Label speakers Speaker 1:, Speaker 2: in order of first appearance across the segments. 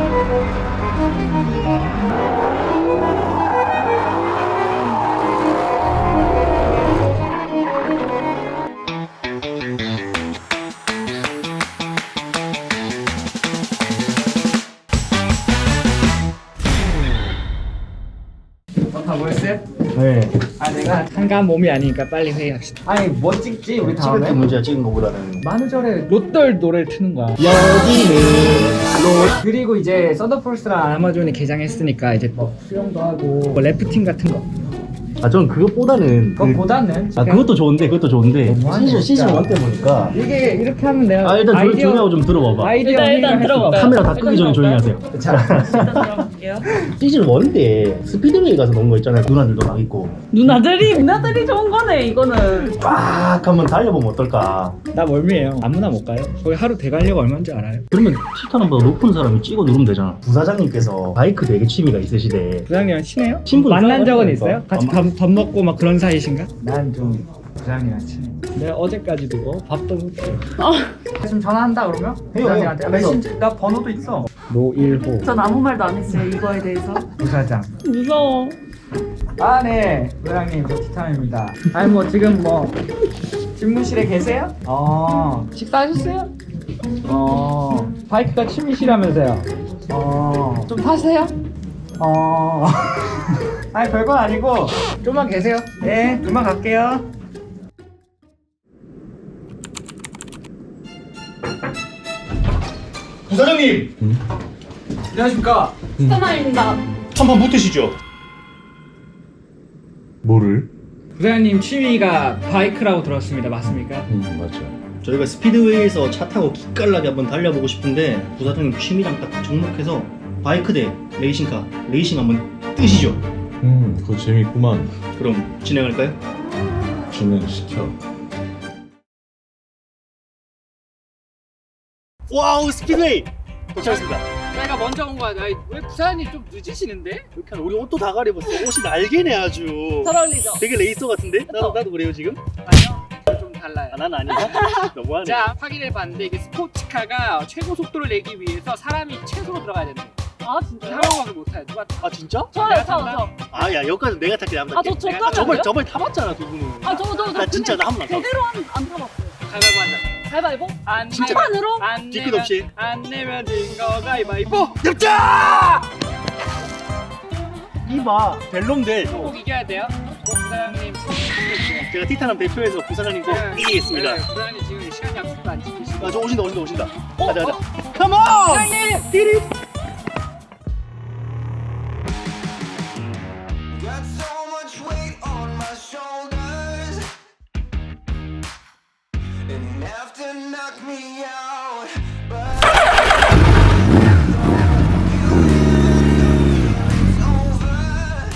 Speaker 1: 다 모였어요?
Speaker 2: 네.
Speaker 1: 아 내가 한가한 몸이 아니니까 빨리 회의합시다. 아니 뭐 찍지 우리
Speaker 2: 찍을 게
Speaker 1: 다음에?
Speaker 2: 문제야, 찍은 거보다는.
Speaker 1: 만우절에 롯돌 노래를 트는 거야.
Speaker 2: 여기는 롯.
Speaker 1: 그리고 이제 썬더폴스랑 아마존이 개장했으니까 이제 뭐 수영도 하고 뭐 래프팅 같은 거.
Speaker 2: 아, 저는 그것보다는
Speaker 1: 그거보다는
Speaker 2: 아, 그것도 좋은데
Speaker 1: 너무하네,
Speaker 2: 시즌
Speaker 1: 진짜.
Speaker 2: 1 때 보니까.
Speaker 1: 이게 이렇게 하면 내가
Speaker 2: 아, 일단 조용히 하고 좀 들어봐봐.
Speaker 1: 아이디어
Speaker 3: 일단 들어볼까요?
Speaker 2: 카메라 다 끄기 전에 조용히 하세요.
Speaker 1: 자,
Speaker 3: 일단 들어볼게요.
Speaker 2: 시즌 1 때 스피드웨이 가서 논 거 있잖아요. 누나들도 막 있고.
Speaker 3: 누나들이 좋은 거네 이거는.
Speaker 2: 빡 한번 달려보면 어떨까.
Speaker 1: 나 멀미예요. 아무나 못 가요. 거기 하루 대관료가 얼마인지 알아요?
Speaker 2: 그러면 티타는보다 높은 사람이 찍어 누르면 되잖아. 부사장님께서 바이크 되게 취미가 있으시대.
Speaker 1: 부장님이랑 친해요?
Speaker 2: 친분
Speaker 1: 만난 적은
Speaker 2: 있어요?
Speaker 1: 있어요? 같이
Speaker 2: 아마-
Speaker 1: 밥 먹고 막 그런 사이신가? 난 좀 부장님이랑 친해. 내가 어제까지도 뭐 밥도 못해. 지금 전화한다 그러면?
Speaker 2: 해요,
Speaker 1: 부장님한테.
Speaker 2: 해요.
Speaker 1: 메신저 나 번호도 있어. 노일호
Speaker 3: 전 아무 말도 안 했어요 이거에 대해서.
Speaker 1: 부사장.
Speaker 3: 무서워.
Speaker 1: 아 네, 부장님 저 티타임입니다. 아니 뭐 지금 뭐 집무실에 계세요? 식사하셨어요? 바이크가 취미시라면서요? 좀 타세요? 아니 별건 아니고 좀만 계세요. 네, 금방 갈게요.
Speaker 4: 부사장님!
Speaker 1: 안녕하십니까?
Speaker 3: 스타마입니다.
Speaker 4: 한판 붙으시죠. 뭐를?
Speaker 1: 부장님 취미가 바이크라고 들었습니다. 맞습니까?
Speaker 4: 맞죠.
Speaker 2: 저희가 스피드웨이에서 차 타고 기깔나게 한번 달려보고 싶은데 부사장님 취미랑 딱 접목해서 바이크 대 레이싱카 레이싱 한번 뜨시죠.
Speaker 4: 그거 재밌구만.
Speaker 2: 그럼 진행할까요?
Speaker 4: 진행시켜.
Speaker 2: 와우, 스피드웨이 도착했습니다.
Speaker 1: 내가 먼저 온 거야. 왜 부사님 좀 늦으시는데?
Speaker 2: 이렇게 하면 우리 옷도 다 가려봤어. 옷이 날개네 아주.
Speaker 3: 잘 어울리죠?
Speaker 2: 되게 레이서 같은데?
Speaker 3: 그쵸?
Speaker 2: 나도 그래요 지금?
Speaker 1: 아니요. 좀 달라요.
Speaker 2: 아, 난 아니야. 너무하네.
Speaker 1: 자, 확인해 봤는데 이게 스포츠카가 최고 속도를 내기 위해서 사람이 최소로 들어가야 된대.
Speaker 3: 아 진짜요?
Speaker 1: 상황을 못 타요. 누가
Speaker 2: 아 진짜?
Speaker 3: 저요
Speaker 1: 내가
Speaker 3: 저
Speaker 1: 탄다?
Speaker 3: 저.
Speaker 2: 아, 야, 여기까지 내가 탈게. 나만 탈게.
Speaker 3: 아저
Speaker 1: 내가
Speaker 3: 저까지.
Speaker 2: 저번에 타봤잖아 두 분은.
Speaker 3: 아저
Speaker 2: 나 진짜 나 한 번 안 타봤어.
Speaker 3: 제대로 안 타봤어요.
Speaker 1: 가위바위보 하자.
Speaker 3: 가위바위보?
Speaker 1: 안
Speaker 2: 진짜?
Speaker 1: 내면-
Speaker 3: 판으로?
Speaker 1: 안
Speaker 2: 뒤끝
Speaker 1: 내면
Speaker 2: 없이.
Speaker 1: 안 내면 진거 가위바위보.
Speaker 2: 엽자! 이봐, 벨롬들.
Speaker 1: 꼭 이겨야 돼요. 꼭 부사장님.
Speaker 2: 제가 티타남 대표해서 부사장님 꼭 이기겠습니다.
Speaker 1: 네, 부사장님 지금 시간 약속도 안 지키시고.
Speaker 2: 아, 저 오신다.
Speaker 3: 어,
Speaker 2: 가자.
Speaker 3: 어?
Speaker 2: 컴온! 띠리.
Speaker 5: Got so much weight on my shoulders, and enough to knock me out. But it's over.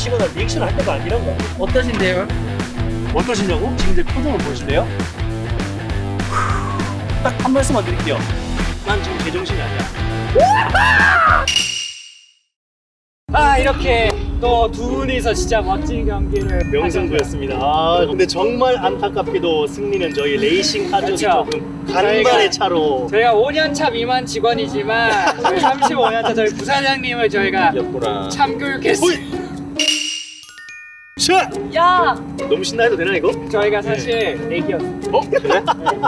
Speaker 2: 치거나 리액션 할 때가 아니라고.
Speaker 1: 어떠신데요?
Speaker 2: 어떠시냐고? 지금 제 표정을 보실래요? 딱 한 말씀만 드릴게요. 난 지금 제정신이 아니야.
Speaker 1: 아 이렇게 또 두 분이서 진짜 멋진 경기를
Speaker 2: 명승부였습니다. 아, 근데 정말 안타깝게도 승리는 저희 레이싱 하족이
Speaker 1: 그렇죠.
Speaker 2: 조금 간발의 차로.
Speaker 1: 저희가 5년차 미만 직원이지만 저희 35년차 저희 부사장님을 저희가
Speaker 4: 예쁘라.
Speaker 1: 참교육했어요.
Speaker 2: 샷!
Speaker 3: 야,
Speaker 2: 너무 신나해도 되나 이거?
Speaker 1: 저희가 사실 내기였어요.
Speaker 2: 어? 그래?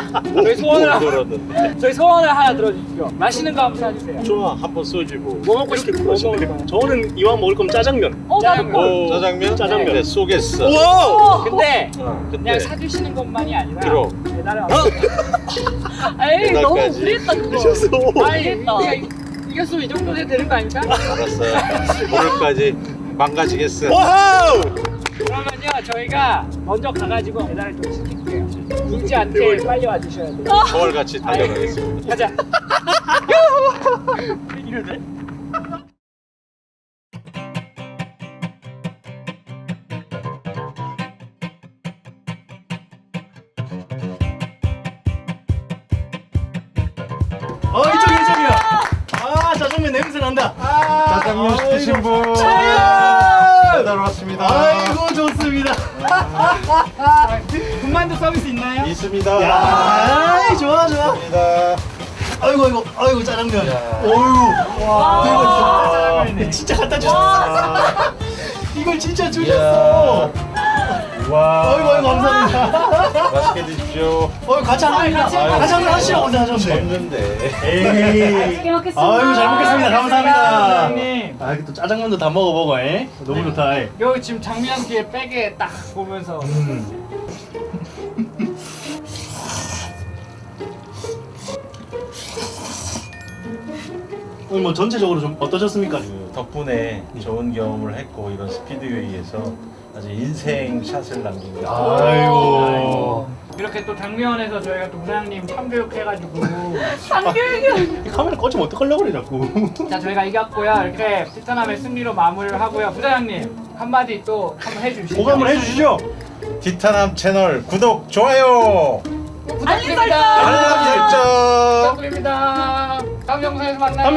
Speaker 1: 저희 소원을 하나 들어주십시오. 맛있는 거 한번 사주세요.
Speaker 4: 좋아, 한번 써주고.
Speaker 1: 뭐 먹고 싶은데 뭐 먹을 거야?
Speaker 2: 저는 이왕 먹을 거면 짜장면.
Speaker 3: 나도
Speaker 1: 짜장면.
Speaker 3: 콜.
Speaker 4: 짜장면?
Speaker 2: 짜장면.
Speaker 4: 네, 쏘겠어.
Speaker 2: 우와!
Speaker 1: 근데
Speaker 4: 근데
Speaker 1: 그냥 사주시는 것만이 아니라
Speaker 4: 그럼.
Speaker 1: 배달을
Speaker 3: 에이, 너무
Speaker 4: 배달까지.
Speaker 3: 무리했다 그거.
Speaker 2: 미쳤어.
Speaker 1: 아니
Speaker 3: 모르겠다.
Speaker 1: 우리가 이겼으면 이 정도 해도 되는 거 아닙니까?
Speaker 4: 알았어요. 오늘까지 망가지겠어.
Speaker 2: 와우!
Speaker 1: 그러면요 저희가 먼저 가가지고 배달을 좀 시킬게요. 늦지 않게 빨리 와주셔야 돼요.
Speaker 4: 서울같이 달려가겠습니다.
Speaker 1: 가자.
Speaker 2: 이러네? 이쪽이야. 아, 짜장면 냄새 난다.
Speaker 4: 짜장면 시키신 분. 배달 왔습니다.
Speaker 2: 아이고, 좋습니다.
Speaker 1: 군만두 서비스 있나요?
Speaker 4: 있습니다.
Speaker 2: 야, 좋아.
Speaker 4: 있습니다.
Speaker 2: 아이고, 짜장면. 어이구.
Speaker 1: 와, 짜장면이네.
Speaker 2: 진짜 갖다 주셨어. 이걸 진짜 주셨어.
Speaker 4: 와.
Speaker 2: 아이고, 감사합니다.
Speaker 4: 맛있게 드십시오.
Speaker 2: 같이 한번 하시라고 하셨는데.
Speaker 4: 없는데.
Speaker 2: 에이.
Speaker 3: 맛있게 먹겠습니다.
Speaker 2: 아이고, 잘 먹겠습니다. 감사합니다.
Speaker 1: 형님.
Speaker 2: 아, 또 짜장면도 다 먹어보고, 에? 너무 좋다. 에.
Speaker 1: 여기 지금 장미향 뒤에 백에 딱 보면서
Speaker 2: 오늘 뭐 전체적으로 좀 어떠셨습니까?
Speaker 4: 그 덕분에 좋은 경험을 했고 이런 스피드웨이에서 아주 인생 샷을 남깁니다.
Speaker 2: 아이고.
Speaker 1: 이렇게 또 장미원에서 저희가 또 부사장님 참교육해가지고
Speaker 2: 이 카메라 꺼지면 어떡하려고 그래, 자꾸.
Speaker 1: 자 저희가 이겼고요. 이렇게 티타남의 승리로 마무리를 하고요. 부사장님 한마디 또 한번 해주시죠.
Speaker 2: 보감을 해주시죠.
Speaker 4: 티타남 채널 구독, 좋아요,
Speaker 1: 부탁드립니다.
Speaker 4: 알람 설정.
Speaker 1: 부탁드립니다. 다음 영상에서 만나요.